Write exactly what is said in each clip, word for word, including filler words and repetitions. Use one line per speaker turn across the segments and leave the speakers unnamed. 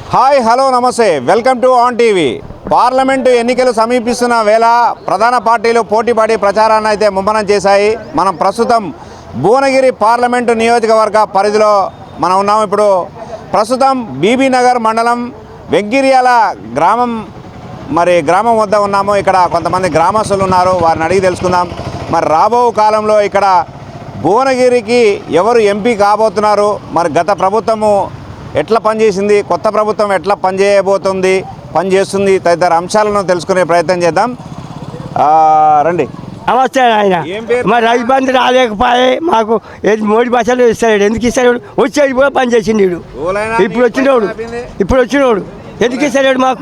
Hi hello నమస్తే welcome to on TV. Parliament ఎన్నికలు సమీపిస్తున్న వేళ ప్రధాన పార్టీలు పోటీపడి ప్రచారాన్ని అయితే ముమ్మరం చేశాయి. మనం ప్రస్తుతం భువనగిరి పార్లమెంటు నియోజకవర్గ పరిధిలో మనం ఉన్నాం. ఇప్పుడు ప్రస్తుతం బీబీ నగర్ మండలం వెంకిర్యాల గ్రామం మరి గ్రామం వద్ద ఉన్నాము. ఇక్కడ కొంతమంది గ్రామస్తులు ఉన్నారు, వారిని అడిగి తెలుసుకుందాం. మరి రాబో కాలంలో ఇక్కడ భువనగిరికి ఎవరు ఎంపీ కాబోతున్నారు, మరి గత ప్రభుత్వము ఎట్లా పనిచేసింది, కొత్త ప్రభుత్వం ఎట్లా పనిచేయబోతుంది పనిచేస్తుంది తదితర అంశాలను తెలుసుకునే ప్రయత్నం చేద్దాం. రండి.
నమస్తే ఆయన. మరి రైతు బంధు రాలేకపోయే మాకు మోడీ భాషలో ఇస్తాడు. ఎందుకు ఇస్తాడు? వచ్చేది కూడా పని చేసిండు. ఇప్పుడు వచ్చినోడు ఇప్పుడు వచ్చినోడు ఎందుకు ఇస్తాడు మాకు?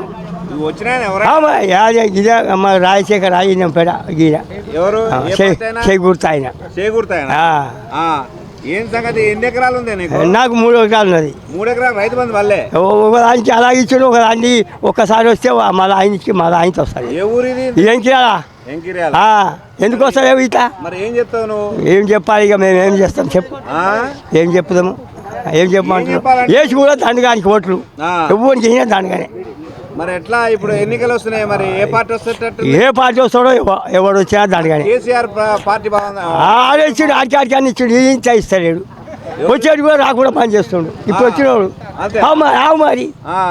ఇదే మా రాజశేఖర్ ఆయన పేడ గీర చేకూర్తా ఆయన.
ఏం సంగతి? ఎన్ని ఎకరాలు ఉంది నీకు?
నాకు మూడు ఎకరాలు ఉన్నది.
మూడు ఎకరాలు రైతు బంధు వల్లే
ఒకదానికి అలా ఇచ్చాడు, ఒకదాన్ని ఒక్కసారి వస్తే మళ్ళీ ఆయన ఇచ్చి మళ్ళీ ఆయనతో వస్తాడు.
ఏ ఊరు ఇది?
ఏం చేయాలా? ఎందుకు వస్తావు ఇట్లా?
మరి ఏం చెప్తావు నువ్వు?
ఏం చెప్పాలి? ఇక మేము ఏం చేస్తాం చెప్పు. ఏం చెప్పుదాము? ఏం చెప్పమంటున్నాం? వేసి కూడా దండగానికి ఓట్లు ఎవరికి అయినా దండగానే.
మరి ఎట్లా ఇప్పుడు ఎన్నికలు వస్తున్నాయి, మరి ఏ పార్టీ వస్తేటట్టు?
ఏ పార్టీ వస్తాడో ఎవడు వచ్చినా దండగానే.
కేసీఆర్ పార్టీ బాగుంది.
ఆడే ఇచ్చాడు, ఆడికి ఆడికి అన్ని ఇచ్చాడు, ఇంత ఇస్తాడు. వచ్చేది కూడా రాకుండా పని చేస్తుండు. ఇప్పుడు వచ్చినవాడు ఆవు మరి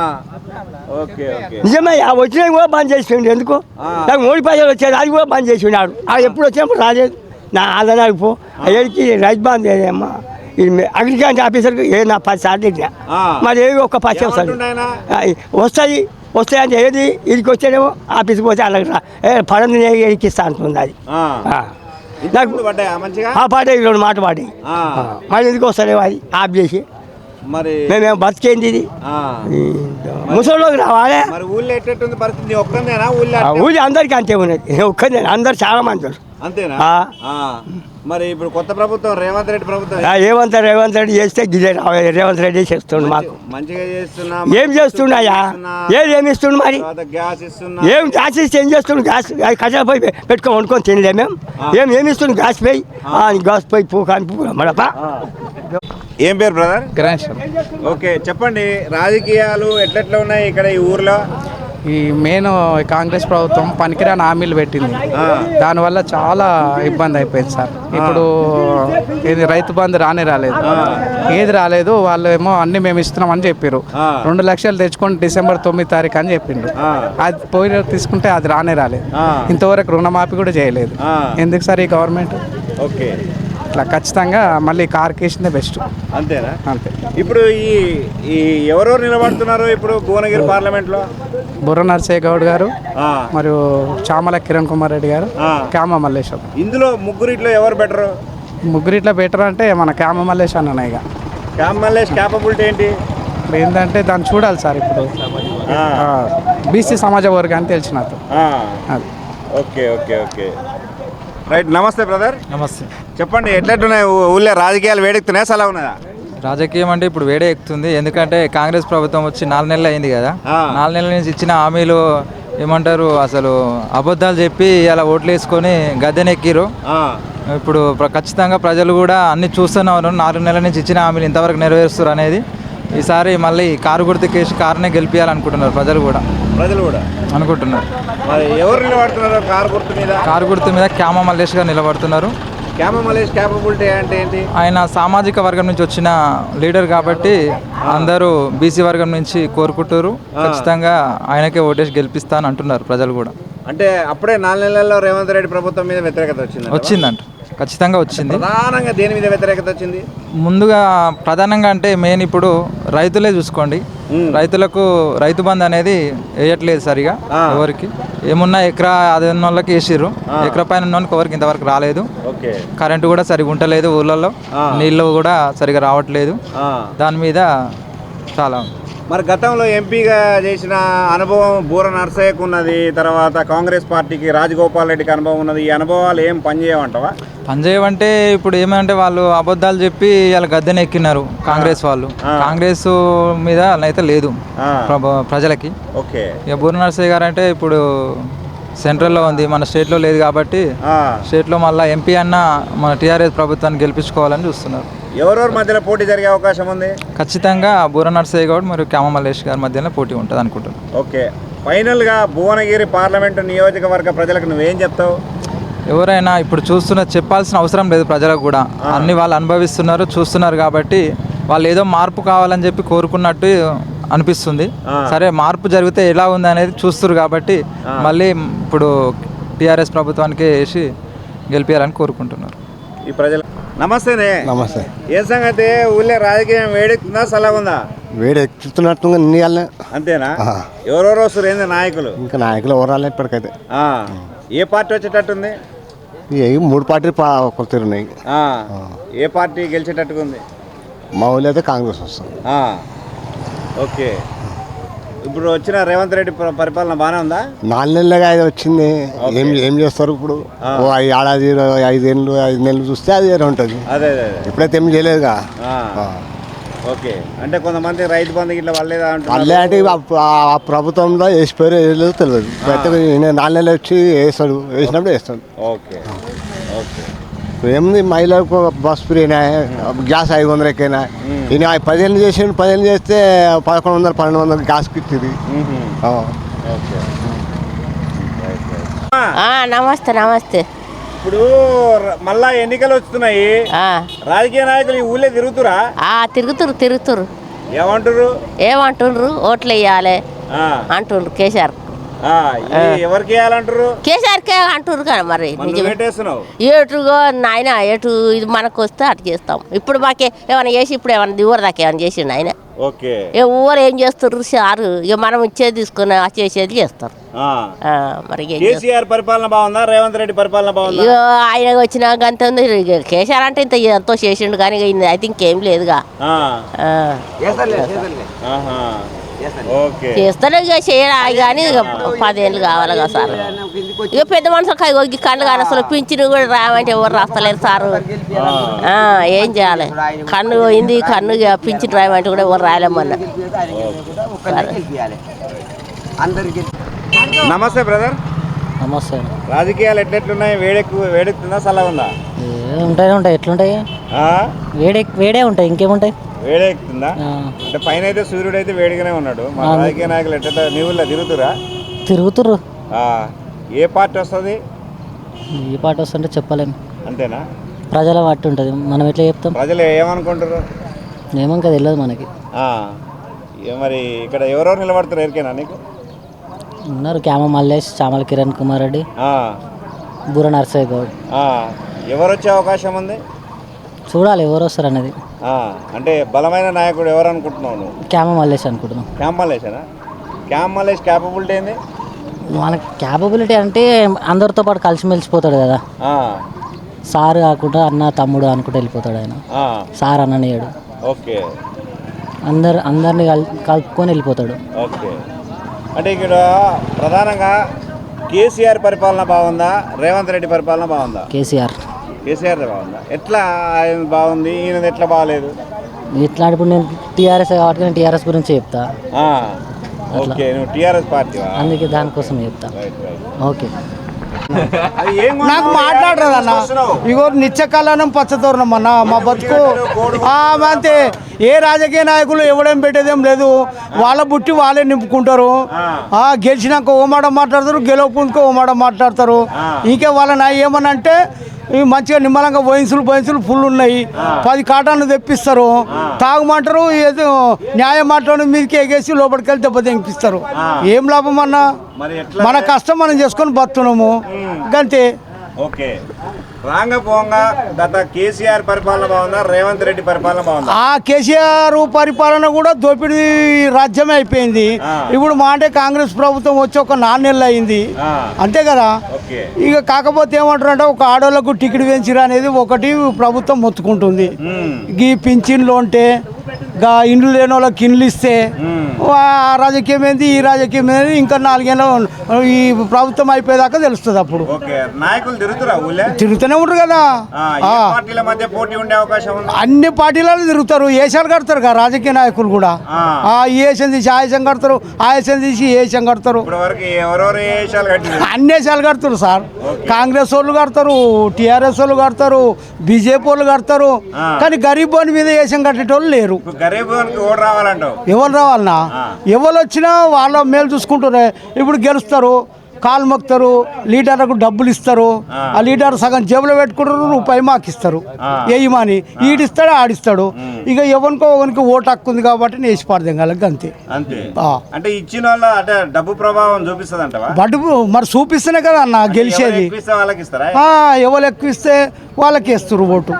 నిజమే వచ్చినా కూడా బంద్ చేసిండు. ఎందుకు? నాకు మూడు పైసలు వచ్చేది, అది కూడా బంద్ చేసినాడు. అది ఎప్పుడు వచ్చినప్పుడు రాలేదు. నా ఆదరణకు పో అయ్యేకి రైతు బంద్ ఏదమ్మా అగ్రికల్చర్ ఆఫీసర్కి ఏ నా పది సార్లు తిన్నా, మరి ఏవి ఒక్క పచ్చి వస్తాడు వస్తాయి వస్తాయి అంటే ఏది ఇదికి వచ్చాడేమో ఆఫీస్కి పోతే అలాగే రా పడని ఎక్కిస్తా అంటుంది. అది నాకు ఆ పాట రెండు మాట పాడి మళ్ళీ ఎందుకు వస్తాడేమో అది ఆఫ్ చేసి
మరి
మేమేమో బతికేంది ఇది ముసలిలోకి రావాలి. ఊళ్ళో అందరికీ అంతే ఉన్నది. ఒక్కదే అందరు చాలా మంది
అంతేనా? మరి ఇప్పుడు కొత్త ప్రభుత్వం రేవంత్ రెడ్డి ప్రభుత్వం
రేవంత్ రేవంత్ రెడ్డి చేస్తే గిదే రేవంత్ రెడ్డి చేస్తుండు. మాకు
మంచిగా చేస్తున్నా.
ఏం చేస్తున్నాయా? ఏది ఏమి ఇస్తుండు? మరి
గ్యాస్ ఇస్తున్నా.
ఏం గ్యాస్ ఇస్తే ఏం చేస్తుండు? గ్యాస్ కట్టెల పోయి పెట్టుకొని వండుకొని తినలే మేము. ఏం ఏమి ఇస్తుండు? గ్యాస్ పోయి గ్యాస్ పోయి పూ కానీ పూ మడప.
ఏం పేరు బ్రదర్?
గణేష్.
ఓకే, చెప్పండి. రాజకీయాలు ఎట్లెట్లా ఉన్నాయి ఇక్కడ ఈ ఊర్లో?
ఈ మెయిన్ కాంగ్రెస్ ప్రభుత్వం పనికిరాని హామీలు పెట్టింది, దానివల్ల చాలా ఇబ్బంది అయిపోయింది సార్. ఇప్పుడు ఇది రైతు బంధు రానే రాలేదు, ఏది రాలేదు. వాళ్ళు ఏమో అన్ని మేము ఇస్తున్నామని చెప్పారు. రెండు లక్షలు తెచ్చుకొని డిసెంబర్ తొమ్మిది తారీఖు అని చెప్పిండు. అది పోయి తీసుకుంటే అది రానే రాలేదు. ఇంతవరకు రుణమాఫీ కూడా చేయలేదు. ఎందుకు సార్ ఈ గవర్నమెంట్?
ఓకే,
ఇట్లా ఖచ్చితంగా మళ్ళీ కార్కేసిందే బెస్ట్.
అంతేనా?
అంతే.
ఇప్పుడు ఈ ఈ ఎవరెవరు నిలబడుతున్నారు ఇప్పుడు భువనగిరి పార్లమెంట్లో?
బుర్ర నరసయ్య గౌడ్ గారు, మరియు చామల కిరణ్ కుమార్ రెడ్డి గారు, క్యామ మల్లేశ్వర్.
ఇందులో ముగ్గురిట్లో ఎవరు బెటర్?
ముగ్గురిట్లో బెటర్ అంటే మన క్యామ మల్లేష్ అన్న. ఇక
క్యామ మల్లేష్ క్యాపబిలిటీ ఏంటి?
ఇప్పుడు ఏంటంటే దాన్ని చూడాలి సార్. ఇప్పుడు బీసీ సమాజ వర్గాన్ని తెలిసినట్టు.
Okay okay okay right. నమస్తే బ్రదర్.
నమస్తే.
చెప్పండి, ఎట్లెట్టున్నాయి ఊళ్ళో రాజకీయాలు? వేడెక్కుతున్నాయా సలా ఉన్నదా?
రాజకీయం అంటే ఇప్పుడు వేడే ఎక్కుతుంది. ఎందుకంటే కాంగ్రెస్ ప్రభుత్వం వచ్చి నాలుగు నెలలు అయింది కదా. నాలుగు నెలల నుంచి ఇచ్చిన హామీలు ఏమంటారు, అసలు అబద్ధాలు చెప్పి ఇలా ఓట్లు వేసుకొని గద్దెనెక్కిరు. ఇప్పుడు ఖచ్చితంగా ప్రజలు కూడా అన్ని చూస్తున్నారు. నాలుగు నెలల నుంచి ఇచ్చిన హామీలు ఇంతవరకు నెరవేరుస్తారు అనేది. ఈసారి మళ్ళీ కారు గుర్తుకేసి కారునే గెలిపించాలనుకుంటున్నారు ప్రజలు కూడా
ప్రజలు కూడా
అనుకుంటున్నారు.
ఎవరు నిలబడుతున్నారు కారు గుర్తు మీద?
కారు గుర్తు మీద క్యామ మల్లేష్ గారు నిలబడుతున్నారు.
క్యామ మల్లేష్ క్యాపబిలిటీ అంటే ఏంటి?
ఆయన సామాజిక వర్గం నుంచి వచ్చిన లీడర్ కాబట్టి అందరూ బీసీ వర్గం నుంచి కోరుకుంటారు. ఖచ్చితంగా ఆయనకే ఓటేసి గెలిపిస్తా అని అంటున్నారు ప్రజలు కూడా.
అంటే అప్పుడే నాలుగు నెలల్లో రేవంత్ రెడ్డి ప్రభుత్వం మీద వ్యతిరేకత వచ్చింది
వచ్చిందంట ఖచ్చితంగా వచ్చింది.
ప్రధానంగా దేని మీద వ్యతిరేకత వచ్చింది?
ముందుగా ప్రధానంగా అంటే మెయిన్ ఇప్పుడు రైతులే చూసుకోండి. రైతులకు రైతు బంధు అనేది వేయట్లేదు సరిగా. ఎవరికి ఏమున్నా ఎకరా అది ఉన్న వాళ్ళకి వేసిర్రు, ఎకరా పైన ఉన్న వాళ్ళకి ఎవరికి ఇంతవరకు రాలేదు. కరెంటు కూడా సరిగా ఉండలేదు ఊళ్ళల్లో, నీళ్ళు కూడా సరిగా రావట్లేదు. దాని మీద చాలా.
మరి గతంలో ఎంపీగా చేసిన అనుభవం బూర నర్సయ్యకు ఉన్నది, తర్వాత కాంగ్రెస్ పార్టీకి రాజగోపాల్ రెడ్డికి అనుభవం ఉన్నది. ఈ అనుభవాలు ఏం పనిచేయమంటావా?
పనిచేయమంటే ఇప్పుడు ఏమంటే వాళ్ళు అబద్ధాలు చెప్పి వాళ్ళ గద్దెని ఎక్కినారు కాంగ్రెస్ వాళ్ళు. కాంగ్రెస్ మీద అయితే లేదు ప్రజలకి.
ఓకే.
ఇక బూర నర్సయ్య గారు అంటే ఇప్పుడు సెంట్రల్లో ఉంది, మన స్టేట్లో లేదు కాబట్టి స్టేట్లో మళ్ళీ ఎంపీ అన్న మన టీఆర్ఎస్ ప్రభుత్వాన్ని గెలిపించుకోవాలని చూస్తున్నారు.
ఎవరెవరి మధ్యలో పోటీ జరిగే అవకాశం ఉంది?
ఖచ్చితంగా బూర నర్సయ్య గౌడ్ మరియు క్యామ మల్లేష్ గారి మధ్యలో పోటీ ఉంటుంది అనుకుంటున్నాను.
ఓకే, ఫైనల్గా భువనగిరి పార్లమెంటు నియోజకవర్గ ప్రజలకు నువ్వేం చెప్తావు?
ఎవరైనా ఇప్పుడు చూస్తున్న చెప్పాల్సిన అవసరం లేదు, ప్రజలకు కూడా అన్ని వాళ్ళు అనుభవిస్తున్నారు చూస్తున్నారు కాబట్టి వాళ్ళు ఏదో మార్పు కావాలని చెప్పి కోరుకున్నట్టు అనిపిస్తుంది. సరే మార్పు జరిగితే ఎలా ఉంది అనేది చూస్తున్నారు కాబట్టి మళ్ళీ ఇప్పుడు టీఆర్ఎస్ ప్రభుత్వానికి వేసి గెలిపించాలని కోరుకుంటున్నారు
ఈ ప్రజలు. నమస్తేనే.
నమస్తే.
ఏ సంగతి, ఊళ్ళో రాజకీయం వేడెక్కుతుందా చల్లగా ఉందా?
వేడి ఎక్కుతున్నట్టుగా నీళ్ళనే.
అంతేనా? ఎవరెవరు వస్తారు ఏంది నాయకులు?
ఇంకా నాయకులు ఎవరాలే ఇప్పటికైతే.
ఆ, ఏ పార్టీ వచ్చేటట్టుంది?
ఏ మూడు పార్టీలు పా కొత్త ఉన్నాయి.
ఆ, ఏ పార్టీ గెలిచేటట్టుగా ఉంది?
మా ఊళ్ళో అయితే కాంగ్రెస్ వస్తుంది.
ఆ, ఓకే. ఇప్పుడు వచ్చిన రేవంత్ రెడ్డి ప- పరిపాలన బాగానే ఉందా?
నాలుగు నెలలుగా అది వచ్చింది. ఏం ఏం చేస్తారు ఇప్పుడు? ఓ ఐ- ఏడాది ఐదేళ్ళు ఐదు నెలలు చూస్తే అది వేరే ఉంటుంది.
అదే అదే అదే.
ఇప్పుడైతే ఏం చేయలేదుగా.
ఆ,
ఆ.
ఓకే. అంటే కొంతమంది రైతు బంధు ఇట్లా వాళ్ళేదా
మళ్ళీ
అంటున్నారు.
అంటే ఆ ఆ ప్రభుత్వంలో వేసిపోయారు వేయలేదు తెలియదు. అయితే ఈయన నాలుగు నెలలు వచ్చి వేస్తాడు, వేసినప్పుడు వేస్తాడు.
Okay okay.
ఇప్పుడు ఏముంది, మహిళలకు బస్ ఫ్రీనా, గ్యాస్ ఐదు వందలు ఎక్కైనా. ఈయన పదిహేను చేసిండు, పదిహేను చేస్తే పదకొండు వందలు పన్నెండు వందలు గ్యాస్కి ఇచ్చింది.
ఓకే.
ఆ, నమస్తే నమస్తే.
ఇప్పుడు ర- మళ్ళా ఎన్నికలు వస్తున్నాయి,
ఆ,
రాజకీయ నాయకులు ఈ ఊళ్ళో తిరుగుతురా?
ఆ, తిరుగుతురు తిరుగుతురు
ఏమంటారు?
ఏమంటుండ్రు ఓట్లు వేయాలి
ఆ,
అంటుండ్రు కేసీఆర్
ఆ, ఈ ఎవరికి వేయాలంటారు?
కేసీఆర్కే అంటుండ్రు కదా మరి
మరి
నిజమే.
నువ్వు ఏంటేస్తున్నావు?
ఏటుగో నాయన ఎటు ఇది మనకు వస్తే అటు చేస్తాం. ఇప్పుడు మాకే ఏమైనా చేసి ఇప్పుడు ఏమైనా దివర్ దాకా ఏమైనా చేసిండు ఆయన.
ఓకే.
ఎవరు ఏం చేస్తుర్రు సారు, ఇక మనం ఇచ్చేది తీసుకుని ఆ చేసేది చేస్తారు.
ఆ,
ఆ, మరి ఏం చేస్తారు?
కేసీఆర్ పరిపాలన బాగుందా, రేవంత్ రెడ్డి పరిపాలన బాగుందా?
ఇక ఆయన వచ్చిన గంత ఉంది. ఇక కేసీఆర్ అంటే ఇంత ఎంతో చేసిండు కానీ ఇక అయితే ఇంకేం లేదుగా.
ఆ,
ఆ.
ఆహా. ఓకే.
చేస్తాడు ఇక చేయడానికి కానీ ఇక పదేళ్ళు కావాలి కదా సార్. ఇక పెద్ద మనుషులు కై ఒగ్గి కళ్ళు కానీ అసలు పింఛను కూడా రామంటే ఎవరు రాస్తలేరు సారు. ఆ, ఏం చేయాలి, కన్ను పోయింది, కన్ను ఇక పింఛను రాయమంటే కూడా ఎవరు రాయలేమన్నా.
నమస్తే బ్రదర్.
నమస్తే.
రాజకీయాలు ఎట్లెట్లున్నాయి? వేడెక్కు వేడెక్కుతుందా చల్లగా ఉందా?
ఉంటాయి ఉంటాయి ఎట్లుంటాయి?
ఆ?
వేడే వేడే ఉంటాయి, ఇంకేముంటాయి?
వేడెక్కుతుందా?
ఆ,
అంటే పైన అయితే సూర్యుడు అయితే వేడిగానే ఉన్నాడు. మా రాజకీయ నాయకులు ఎట్లా నీ ఊళ్ళో తిరుగుతురా?
తిరుగుతుర్రు.
ఆ, ఏ పార్టీ వస్తుంది?
ఈ పాట వస్తుంటే చెప్పలేము,
అంతేనా?
ప్రజల వాటి ఉంటుంది, మనం ఎట్లా చెప్తాం?
ప్రజలు ఏమనుకుంటారు?
ఏమో ఇంకా తెలియదు మనకి.
ఆ, ఏ మరి ఇక్కడ ఎవరెవరు నిలబడతారు ఎరికేనా నీకు?
ఉన్నారు క్యామ మల్లేష్, చామల కిరణ్ కుమార్ రెడ్డి,
ఆ,
బూర నర్సయ్య గౌడ్.
ఆ, ఎవరు వచ్చే అవకాశం ఉంది?
చూడాలి ఎవరు వస్తారు అనేది.
ఆ, అంటే బలమైన నాయకుడు ఎవరు అనుకుంటున్నావు నువ్వు?
క్యామ మల్లేష్ అనుకుంటున్నాం.
క్యాంప్ మలేషనా? క్యాంప్ మలేష్ క్యాపబిలిటీ ఏంది?
మనకి క్యాపబిలిటీ అంటే అందరితో పాటు కలిసి మెలిసిపోతాడు కదా.
ఆ,
సార్ కాకుండా అన్న తమ్ముడు అనుకుంటూ వెళ్ళిపోతాడు ఆయన.
ఆ,
సార్ అన్నయ్యాడు,
ఓకే
అందరు అందరిని కల్ కలుపుకొని వెళ్ళిపోతాడు.
ఓకే. అంటే ఇక్కడ ప్రధానంగా కేసీఆర్ పరిపాలన బాగుందా, రేవంత్ రెడ్డి పరిపాలన బాగుందా?
కేసీఆర్.
కేసీఆర్ బాగుందా? ఎట్లా ఆయన బాగుంది, ఈయనది ఎట్లా బాగాలేదు?
ఇట్లా ఇప్పుడు నేను టీఆర్ఎస్ కాబట్టి నేను టీఆర్ఎస్ గురించి చెప్తా.
ఆ, ఓకే. నువ్వు టీఆర్ఎస్ పార్టీ?
అందుకే దానికోసం చెప్తా. ఓకే.
నాకు మాట్లాడరాదన్న. ఇగో నిత్యకాలం పచ్చతోరణం అన్న మా బతుకు. ఆ, అంతే. ఏ రాజకీయ నాయకులు ఎవడేం పెట్టేదేం లేదు, వాళ్ళ బుట్టి వాళ్ళే నింపుకుంటారు. ఆ, గెలిచినాక ఓ మాట మాట్లాడతారు, గెలవకుండా ఓ మాట మాట్లాడతారు. ఇంకే వాళ్ళ నా ఏమనంటే ఇవి మంచిగా నిమ్మలంగా వయసులు బయసులు ఫుల్ ఉన్నాయి, పది కాటాలను తెప్పిస్తారు, తాగుమంటారు, ఏదో న్యాయం మాట్లాడి మీదకి ఎగేసి లోపలికి వెళ్ళి దెబ్బ తెంపిస్తారు. ఏం లాభం అన్నా? మన కష్టం మనం చేసుకొని బతున్నాము గంతే.
ఓకే. రాంగ పోంగా గత కేసీఆర్ పరిపాలన బాగుందా, రేవంత్ రెడ్డి పరిపాలన బాగుందా?
ఆ కేసీఆర్ పరిపాలన కూడా దోపిడీ రాజ్యమే అయిపోయింది. ఇప్పుడు మా అంటే కాంగ్రెస్ ప్రభుత్వం వచ్చి ఒక నాలుగు నెలలు అయింది, అంతే కదా.
ఓకే.
ఇక కాకపోతే ఏమంటారంటే ఒక ఆడోళ్ళకు టికెట్ పెంచిరా అనేది ఒకటి ప్రభుత్వం మొత్తుకుంటుంది. ఈ పింఛన్లు ఉంటే గా ఇండ్లు లేని వాళ్ళకి ఇండ్లు ఇస్తే ఆ రాజకీయం ఏంది ఈ రాజకీయం ఏంది ఇంకా నాలుగేళ్ళు ఈ ప్రభుత్వం అయిపోయేదాకా తెలుస్తుంది అప్పుడు
ఓకే నాయకులు తిరుగుతురా ఊళ్ళే
తిరుగుతూనే ఉంటారు కదా
ఆ, ఏ పార్టీల మధ్య పోటీ ఉండే అవకాశం ఉంది
అన్ని పార్టీలలో తిరుగుతారు ఏషాలు కడతారు కదా రాజకీయ నాయకులు కూడా ఆ ఈ ఏషం తీసి ఆయేషం కడతారు ఆయేషం తీసి ఏషం కడతారు
ఇప్పుడు వరకు ఎవరెవరు ఏ విషయాలు కట్టింది
అన్ని వేషాలు కడతారు సార్ కాంగ్రెస్ వాళ్ళు కడతారు టీఆర్ఎస్ వాళ్ళు కడతారు బీజేపీ వాళ్ళు కడతారు కానీ గరీబ్ వాని మీద వేషం కట్టేటోళ్ళు లేరు
గరీబ్ వానికి ఓటు రావాలంటావు
ఎవరు రావాలన్నా ఎవరు వచ్చినా వాళ్ళ మేలు చూసుకుంటారే ఇప్పుడు గెలుస్తారు కాలు మొక్తారు లీటర్లకు డబ్బులు ఇస్తారు ఆ లీటర్ సగం జేబులో పెట్టుకుంటారు రూపాయి మాకు ఇస్తారు ఏమని ఈడిస్తాడు ఆడిస్తాడు ఇక ఎవరికో ఒకరికి ఓటు హక్కు ఉంది కాబట్టి నేసి పాడదేగాలకి అంతే
అంతే అంటే ఇచ్చిన వాళ్ళ అంటే డబ్బు ప్రభావం చూపిస్తుంది అంటవా
బట్ మరి చూపిస్తేనే కదా అన్న గెలిచేది
వాళ్ళకి ఇస్తారా
ఆ, ఎవరు ఎక్కువ ఇస్తే వాళ్ళకి వేస్తారు ఓటు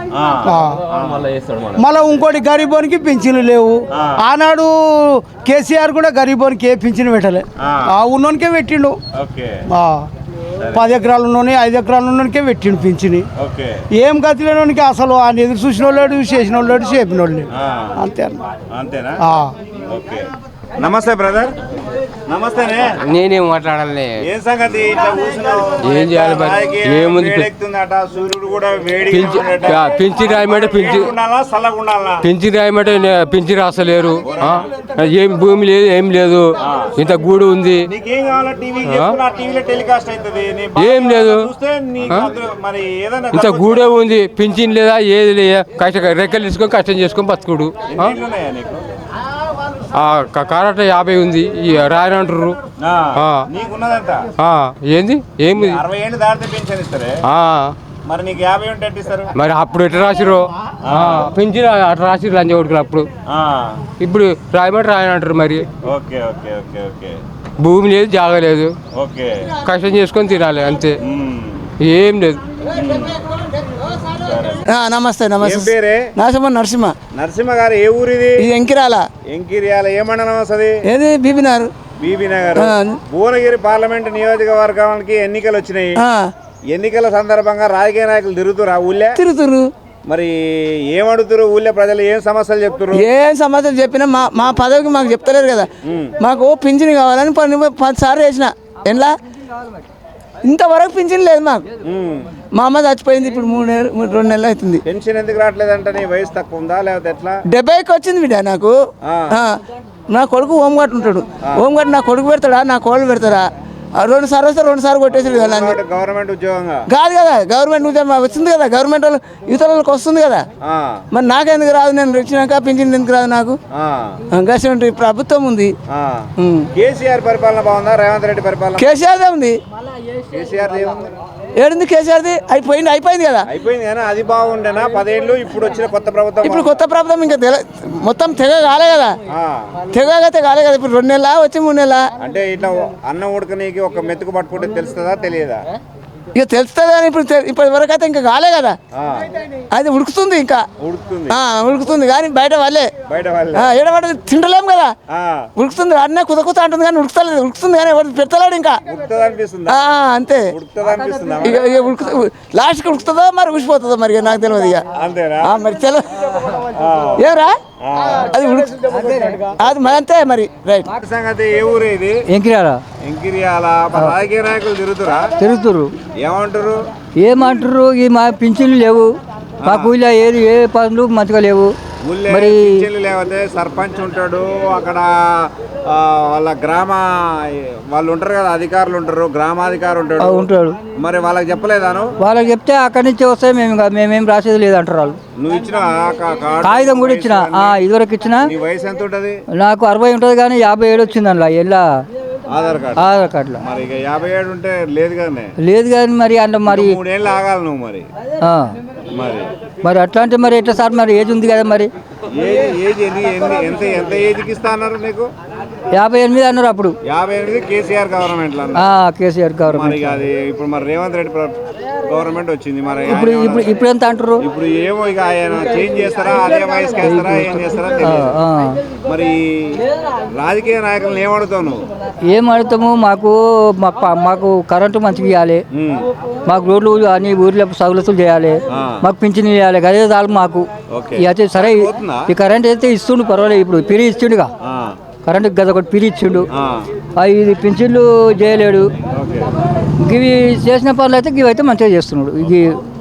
మళ్ళీ ఇంకోటి గరీబోనికి పింఛన్లు లేవు ఆనాడు కేసీఆర్ కూడా గరీబోనికి ఏ పింఛను పెట్టలే ఆ ఉన్నోనికే పెట్టిండు
ఓకే
ఆ, పది ఎకరాలు ఉన్నోని ఐదు ఎకరాలు ఉన్నోనికే పెట్టిండు పింఛని
ఓకే
ఏం గతి లేనోనికి అసలు ఆయన ఎదురు చూసిన వాళ్ళు చేసిన వాళ్ళు చేపిన వాళ్ళు అంతే అన్న
అంతేనా
ఆ.
ఓకే నమస్తే బ్రదర్ నమస్తేనే
నేనేం మాట్లాడాలి
ఏం సంగతి ఇట్లా కూర్చున్నావు?
ఏం చేయాలి మరి?
రాజకీయం
ఏముంది?
వేడెక్కుతుందట, సూర్యుడు కూడా వేడి
పింఛి రాయమంటే పింఛి
ఉండాలా చల్లగా ఉండాలా
పింఛి రాయమంటే పింఛి రాసలేరు ఆ? ఏం భూమి లేదు ఏం లేదు ఇంత గూడు ఉంది
నీకేం కావాలా టీవీ టీవీలో టెలికాస్ట్ అవుతుంది నీ
ఏం లేదు
చూస్తే నీకు అది మరి ఏదైనా
ఇంత గూడే ఉంది పింఛన్ లేదా ఏది లేదా కష్ట రెక్కలు తీసుకొని కష్టం చేసుకొని బతుకుడు ఆ?
ఇల్లు ఉన్నాయా నీకు
ఆ, క- కారట యాభై ఉంది ఈ రాయనంటారు
ఆ,
ఆ.
నీకున్నదంట
ఆ, ఏంది ఏమి
అరవై ఏళ్ళు దాటితే పెన్షన్ ఇస్తారే
ఆ,
మరి నీకు యాభై ఉంటే ఎట్ట ఇస్తారు
మరి అప్పుడు ఎట్లా రాసిరు పింఛన్ అట్లా రాసిరు లంచ కొడుకులు అప్పుడు
ఆ,
ఇప్పుడు రాయమంటే రాయనంటారు మరి
ఓకే ఓకే ఓకే ఓకే
భూమి లేదు జాగ లేదు
ఓకే
కష్టం చేసుకొని తినాలి అంతే
మ్మ్.
ఏం లేదు
నమస్తే
ఏం
నమస్తే
పేరే
నాశమ్మ నరసింహ
నరసింహ గారు ఏ ఊరిది
ఇది ఎంకిరాల
ఎంకిరియాల ఏ మండలం వస్తుంది
ఏది బీబీనారు
బీబీ నగర్ భువనగిరి పార్లమెంట్ నియోజకవర్గానికి ఎన్నికలు వచ్చినాయి ఎన్నికల సందర్భంగా రాజకీయ నాయకులు తిరుగుతురా ఊళ్ళే
తిరుగుతురు
మరి ఏమడుతురు ఊళ్ళే ప్రజలు ఏం సమస్యలు చెప్తున్నారు
ఏం సమాచారం చెప్పినా మా మా పదవికి మాకు చెప్తలేరు కదా మాకు పింఛన్ కావాలని పది పది సార్లు వేసిన ఎలా ఇంతవరకు పింఛన్ లేదు మాకు మా అమ్మ చచ్చిపోయింది ఇప్పుడు మూడు నెలలు మూడు రెండు నెలలు అవుతుంది
పెన్షన్ ఎందుకు రావట్లేదంటే నీ వయసు తక్కువ ఉందా లేకపోతే ఎట్లా
డెబ్బైకి వచ్చింది బిడ్డ నాకు ఆ, నా కొడుకు హోంగార్డ్ ఉంటాడు హోంగార్డ్ నా కొడుకు పెడతాడా నా కోళ్ళు పెడతాడా ఆ, రెండు సార్లు వస్తే రెండు సార్లు కొట్టేసాడు కదా నన్ను.
గవర్నమెంట్ ఉద్యోగంగా
కాదు కదా గవర్నమెంట్ ఉద్యోగం వచ్చింది కదా గవర్నమెంట్ వాళ్ళు యువత వాళ్ళకి వస్తుంది కదా
ఆ,
మరి నాకెందుకు రాదు నేను వచ్చినాక పింఛన్ ఎందుకు రాదు నాకు
ఆ,
గసి ప్రభుత్వం ఉంది
ఆ.
ఉం.
కేసీఆర్ పరిపాలన బాగుందా రేవంత్ రెడ్డి పరిపాలన
కేసీఆర్దే ఉంది
కేసీఆర్ ఏముంది?
ఏడుంది కేసీఆర్ది అయిపోయింది అయిపోయింది కదా
అయిపోయింది కానీ అది బాగుండేనా పదేళ్ళు ఇప్పుడు వచ్చిన కొత్త ప్రభుత్వం
ఇప్పుడు కొత్త ప్రభుత్వం ఇంకా తెల మొత్తం తెగ కాలే కదా
ఆ,
తెగతే కాలే కదా ఇప్పుడు రెండు నెలల వచ్చి మూడు నెలల
అంటే ఇట్లా అన్నం ఉడకనీకి ఒక మెతుకు పట్టుకుంటే తెలుస్తుందా తెలియదా
ఇక తెలుస్తుంది కానీ ఇప్పుడు తె- ఇప్పటి వరకు అయితే ఇంకా కాలే కదా
ఆ,
అది ఉడుకుతుంది ఇంకా
ఉడుకుతుంది
ఆ, ఉడుకుతుంది కానీ బయట వాళ్ళే
బయట వాళ్ళు
ఏడబడి తింటలేం కదా
ఆ,
ఉడుకుతుంది అన్నీ కుద కుత అంటుంది కానీ ఉడుకుతలేదు ఉడుకుతుంది కానీ ఎవరు పెడతలేడు ఇంకా
ఉడుకుతుంది అనిపిస్తుందా
ఆ, అంతే
ఉడుకుతుంది అనిపిస్తుందా
ఇక ఇక ఉడుకు లాస్ట్కి ఉడుకుతుందో మరి ఉడిచిపోతుందో మరి ఇక నాకు తెలియదు ఇక
అంతేనా
ఆ, మరి తెలియదు ఏరా అది ఉడుకు అది మరి అంతే మరి రైట్
సంగతి ఏ ఊరు ఇది
ఎంకిరారా
ఎంకిరియాల మరి రాజకీయ నాయకులు తిరుగుతురా
తిరుగుతురు
ఏమంటారు
ఏమంటారు ఈ మా పింఛన్లు లేవు మా ఊళ్ళో ఏది ఏ పనులు మంచిగా లేవు
ఊళ్ళో
మరి
పింఛన్లు లేకపోతే సర్పంచ్ ఉంటాడు అక్కడ ఆ, వాళ్ళ గ్రామ వాళ్ళు ఉంటారు కదా అధికారులు ఉంటారు గ్రామాధికారి ఉంటాడు
ఉంటాడు
మరి వాళ్ళకి చెప్పలేదాను
వాళ్ళకి చెప్తే అక్కడి నుంచి వస్తే మేము ఇంకా మేమేం రాసేది లేదంటారు వాళ్ళు
నువ్వు ఇచ్చిన
కాగితం కూడా ఇచ్చిన ఆ, ఇదివరకు ఇచ్చిన
నీ వయసు ఎంత ఉంటది
నాకు అరవై ఉంటుంది కానీ యాభై ఏడు వచ్చింది అందులో ఎల్లా
ఆధార్ కార్డు
ఆధార్ కార్డులో
మరి ఇక యాభై ఏడు ఉంటే లేదు కానీ
లేదు కానీ మరి అందులో మరి
మూడేళ్ళు ఆగాలి నువ్వు మరి
ఆ,
మరి
మరి అట్లా అంటే మరి ఎట్లా సార్ మరి ఏజ్ ఉంది కదా మరి
ఏజ్ ఏజ్ ఎన్ని ఎన్ని ఎంత ఎంత ఏజ్కి ఇస్తా అన్నారు నీకు
యాభై ఎనిమిది అన్నారు అప్పుడు
యాభై ఎనిమిది కేసీఆర్ గవర్నమెంట్
ఆ, కేసీఆర్
మరి
గవర్నమెంట్
ఇక అది ఇప్పుడు మరి రేవంత్ రెడ్డి ప్ర- గవర్నమెంట్ వచ్చింది మరి
ఇప్పుడు
ఆయన
ఇప్పుడు ఇప్పుడు ఎంత అంటారు?
ఇప్పుడు ఏమో ఇక ఆయన చేంజ్ చేస్తారా అదే వయసుకి వేస్తారా ఏం చేస్తారా తెలియదు. మరి రాజకీయ నాయకులను ఏమడుగుతావు నువ్వు?
ఏం అడుగుతాము? మాకు మా- ప- మాకు కరెంటు మంచిగా ఇవ్వాలి, మాకు రోడ్లు అన్ని ఊర్లో సౌలతులు చేయాలి, మాకు పింఛన్ ఇవ్వాలి, అదే చాలు మాకు.
ఓకే.
ఇక అయితే సరే
పోతుందా?
ఈ కరెంట్ అయితే ఇస్తుండు పర్వాలేదు, ఇప్పుడు పిరి ఇస్తుండుగా
ఆ,
కరెంట్ గద ఒకటి పిరి ఇచ్చిండు,
ఆ,
ఆ ఇది పింఛన్లు చేయలేడు. ఇవి చేసిన పనులు అయితే ఇవి అయితే మంచిగా చేస్తున్నాడు. ఇవి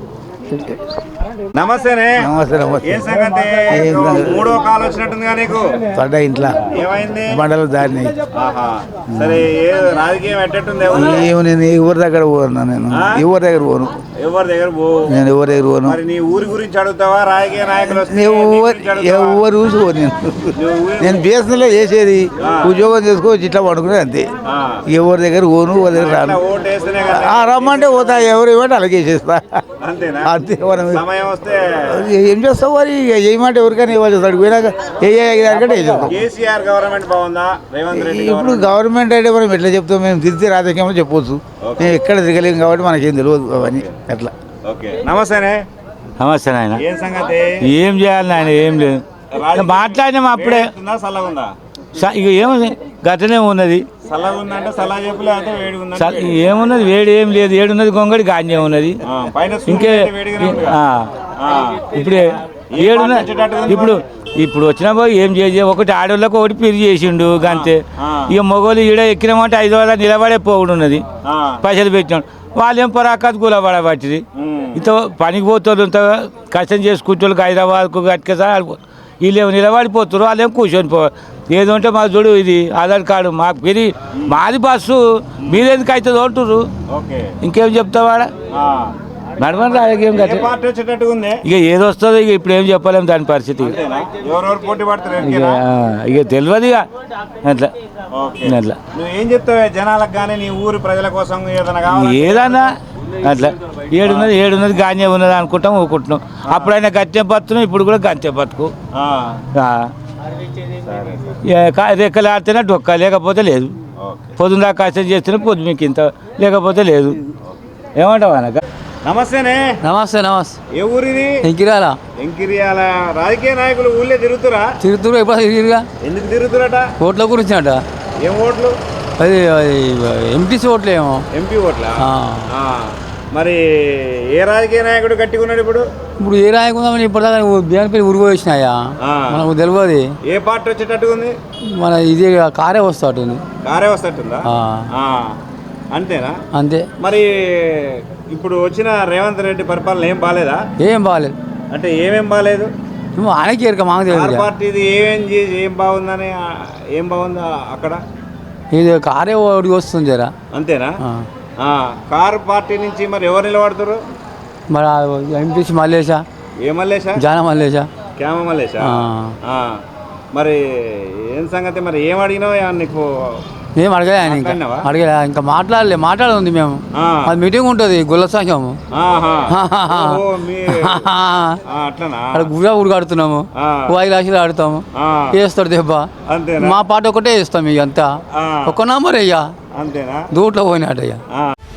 నమస్తేనే.
నమస్తే నమస్తే.
ఏం సంగతి? మూడో కాల్ వచ్చినట్టుందిగా నీకు?
పడ్డ ఇంట్లో
ఏమైంది?
బండలు దారినాయి.
ఆహా. సరే ఏ రాజకీయం ఎట్టట్టుంది? ఎవరు
ఏమో నేను ఎవరి దగ్గర పోను, నేను
ఆ?
ఎవరి దగ్గర పోను,
ఎవరి దగ్గర పో.
నేను ఎవరి దగ్గర పోను.
మరి నీ ఊరి గురించి అడుగుతావా? రాజకీయ నాయకులు వస్తే నీ
ఎవరు
గురించి అడుగుతావా?
ఎవరు చూసుకో నేను
నువ్వు ఊరి-
నేను బిఎస్ఎన్ఎల్లో చేసేది
ఆ.
ఉద్యోగం చేసుకోవచ్చు, ఇట్లా పడుకునేది అంతే.
ఆ.
ఎవరి దగ్గర పోను, ఎవరి దగ్గర
అట్లా
రాను.
ఓటు వేస్తేనే కదా.
ఆ, రమ్మంటే పోతా, ఎవరు ఇవ్వండి అలాగే చేస్తా
అంతేనా?
అంతే. మనం
సమయం వస్తే
ఏం చేస్తావు మరి? ఇక ఏమంటే ఎవరికైనా ఇవ్వాలి, అడిగి పోయినాక ఏ దానికంటే ఏ చేస్తాం.
కేసీఆర్ గవర్నమెంట్ బాగుందా? రేవంత్ రెడ్డి
ఇప్పుడు
గవర్నమెంట్?
గవర్నమెంట్ అంటే మనం ఎట్లా చెప్తాం? మేము తిరిగి రాజకీయంలో చెప్పవచ్చు, మేము ఎక్కడ తిరగలేము కాబట్టి మనకేం తెలియదు అవన్నీ అట్లా.
ఓకే. నమస్తేనే.
నమస్తే నాయన.
ఏం సంగతి?
ఏం చేయాలి నాయన? ఏం లేదు,
రాజకీయం
మాట్లాడినాం అప్పుడే.
వేడిగుందా, చల్లగా ఉందా?
స- ఇక ఏముంది, గతనే ఉన్నది.
చల్లగా ఉందంటే చల్లగా చెప్పు, లేకపోతే వేడిగా ఉందంటే
స-
వేడిగా.
ఏమున్నది, వేడి ఏం లేదు, ఏడున్నది గొంగడి గాన్యం ఉన్నది.
ఆ, పైన సూర్యుడు
ఇంకే
అయితే వేడిగానే ఉందిగా.
ఆ,
ఆ.
ఇప్పుడే
ఏ
ఏడున్న
పార్టీ వచ్చేటట్టుగా ఉంది
ఇప్పుడు ఇప్పుడు వచ్చిన పోయి ఏం చేసి ఒకటి ఆడోళ్ళకి ఒకటి పిరి చేసిండు గంతే.
ఆ.
ఇక మొగోళ్ళు ఈడ ఎక్కినామంటే ఐదు వందల నిలబడే పోగుడు ఉన్నది,
ఆ.
పైసలు పెట్టినాడు. వాళ్ళేం పరాకత్ కూలబడబట్టింది.
ఉమ్.
ఇంత పనికి పోతారు, ఇంత కష్టం చేసుకుంటారు, హైదరాబాద్కు గట్టిగా వీళ్ళేమో నిలబడిపోతారు, వాళ్ళేం కూర్చొని పోవాలి. ఏదో ఉంటే మాకు చూడు, ఇది ఆధార్ కార్డు మాకు పెరిగి మాది బస్సు, మీరెందుకు అవుతుంది అంటుర్రు.
ఓకే.
ఇంకేం చెప్తావాడ
ఆ.
నడవని రాజకీయం
ఏ
కట్ట.
పార్టీ వచ్చేటట్టుగా ఉంది?
ఇక ఏది వస్తుందో ఇక ఇప్పుడు ఏం చెప్పలేము దాని పరిస్థితి.
అంతేనా? ఎవరెవరు పోటీ పడతారు?
ఇక
ఎరికేనా?
ఆ, ఇక తెలియదు ఇక అట్లా
ఓకే.
అట్లా
నువ్వు ఏం చెప్తావే జనాలకు కానీ నీ ఊరి ప్రజల కోసం ఏదైనా కావాలి?
ఏదన్నా అట్లా ఏడున్నది ఏడున్నది గానే ఉన్నది అనుకుంటాం, ఊకుంటున్నాం. అప్పుడైనా గత్యం బతున్నాం, ఇప్పుడు కూడా గత్యం బతుకు.
ఆ.
ఆ.
సరే.
ఏ కా- రెక్కలు ఆడితేనే డొక్క, లేకపోతే లేదు.
ఓకే.
పొద్దున్న కష్టం చేస్తేనే పొద్దు మీకు ఇంత, లేకపోతే లేదు. ఏమంటావు అనక?
నమస్తేనే.
నమస్తే నమస్తే.
ఏ ఊరిది?
ఇంకిరాలా
ఎంకిరియాల. రాజకీయ నాయకులు ఊళ్ళో తిరుగుతురా?
తిరుగుతురు ఎప్పుడు తిరిగిగా
ఎందుకు తిరుగుతురట?
ఓట్ల గురించి అంట.
ఏం ఓట్లు?
అది అది ఎంపీసీ ఓట్లు ఏమో.
ఎంపీ ఓట్లా?
ఆ.
ఆ. మరి ఏ రాజకీయ నాయకుడు గట్టిగా ఉన్నాడు ఇప్పుడు?
ఇప్పుడు ఏ రాయకుందామని ఇప్పటిదాకా బియ్యాల పేరు ఉరుగు వచ్చినాయా
ఆ.
మనకు తెలియదు.
ఏ పార్టీ వచ్చేటట్టుగా ఉంది?
మన ఇది కారే వస్తుంది.
కారే వస్తట్టుందా?
ఆ.
ఆ. అంతేనా?
అంతే.
మరి ఇప్పుడు వచ్చిన రేవంత్ రెడ్డి పరిపాలన ఏం బాగాలేదా?
ఏం బాగాలేదు
అంటే ఏమేం బాగాలేదు?
నువ్వు ఆయనకి ఎరక మాకు
కార్
తెలియదు.
పార్టీది ఏమేం చేసి ఏం బాగుందని ఆ, ఏం బాగుందా అక్కడ?
ఇది కారే ఒకటి వస్తుంది జరా.
అంతేనా?
ఆ.
ఆ. కార్ పార్టీ నుంచి మరి ఎవరు నిలబడతారు?
మరి ఎంపీసీ మల్లేశా,
ఏ మల్లేశా?
జాన మల్లేశా.
క్యామ మల్లేశా?
ఆ.
ఆ. మరి ఏం సంగతి? మరి ఏం అడిగినావు ఏమన్నా నీకు?
ఏం అడగలే ఆయన, ఇంకా
మాట్లాడినావా?
అడగలే, ఇంకా మాట్లాడలే. మాట్లాడుంది మేము,
ఆ.
అది మీటింగ్ ఉంటుంది గుల్ల సంఘం.
ఆహా. ఓహో, మీ ఆ, అట్లనా?
అక్కడ గుర్రా ఊరు కడుతున్నాము,
ఆ.
ఓ ఐదు లక్షలు ఆడుతాము,
ఆ.
వేస్తాడు దెబ్బ.
అంతేనా?
మా పాట ఒకటే వేస్తాం ఇక అంతా,
ఆ.
ఒక్క నంబర్ అయ్యా,
అంతేనా?
దూట్లో పోయినట్టు అయ్యా.
ఆ.